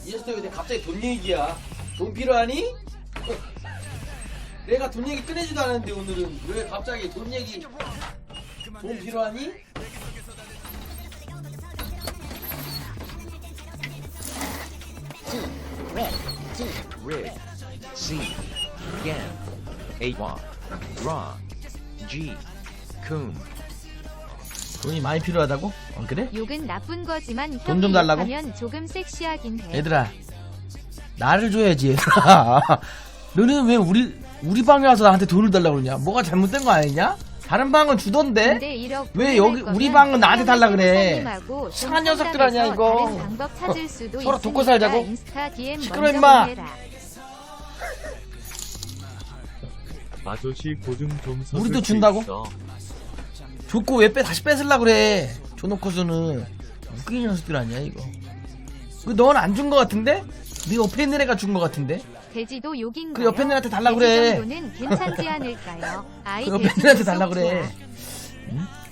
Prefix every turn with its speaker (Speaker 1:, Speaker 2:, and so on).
Speaker 1: 이 녀석 왜 갑자기 돈 얘기야? 돈 필요하니? 내가 돈 얘기 꺼내지도 않았는데 오늘은 왜 갑자기 돈 얘기? 돈 필요하니?
Speaker 2: Rig, C, Gan, Awa, Ra, G, Kun.
Speaker 3: 돈이 많이 필요하다고? 그래?
Speaker 4: 욕은 나쁜 거지만
Speaker 3: 돈좀 달라고?
Speaker 4: 하면 조금 섹시하긴 해.
Speaker 3: 얘들아 나를 줘야지 얘들아. 너는 왜 우리 방에 와서 나한테 돈을 달라고 그러냐? 뭐가 잘못된 거 아니냐? 다른 방은 주던데?
Speaker 4: 근데 1억
Speaker 3: 왜 여기 우리 방은 나한테 달라 그래? 이상한 녀석들 아니야 이거.
Speaker 4: 다른 방법 찾을 수도
Speaker 3: 서로 돕고
Speaker 4: 있으니까
Speaker 3: 살자고?
Speaker 4: 인스타 DM
Speaker 3: 시끄러,
Speaker 4: 먼저
Speaker 3: 임마.
Speaker 4: 보내라.
Speaker 5: 아저씨 보증 좀 서줄
Speaker 3: 우리도
Speaker 5: 수
Speaker 3: 준다고?
Speaker 5: 있어.
Speaker 3: 줬고 왜 다시 뺏으려 그래? 줘놓고서는 웃기는 녀석들 아니야 이거. 넌 안 준 거 같은데? 네 옆에 있는 애가 준 거 같은데?
Speaker 4: 돼지도 욕인가요?
Speaker 3: 그 옆에 있는 애한테 달라
Speaker 4: 돼지
Speaker 3: 그래.
Speaker 4: 정도는 괜찮지 않을까요? 아이
Speaker 3: 그 옆에
Speaker 4: 돼지
Speaker 3: 있는 애한테 달라
Speaker 4: 속
Speaker 3: 그래.
Speaker 4: 좋아.
Speaker 3: 응?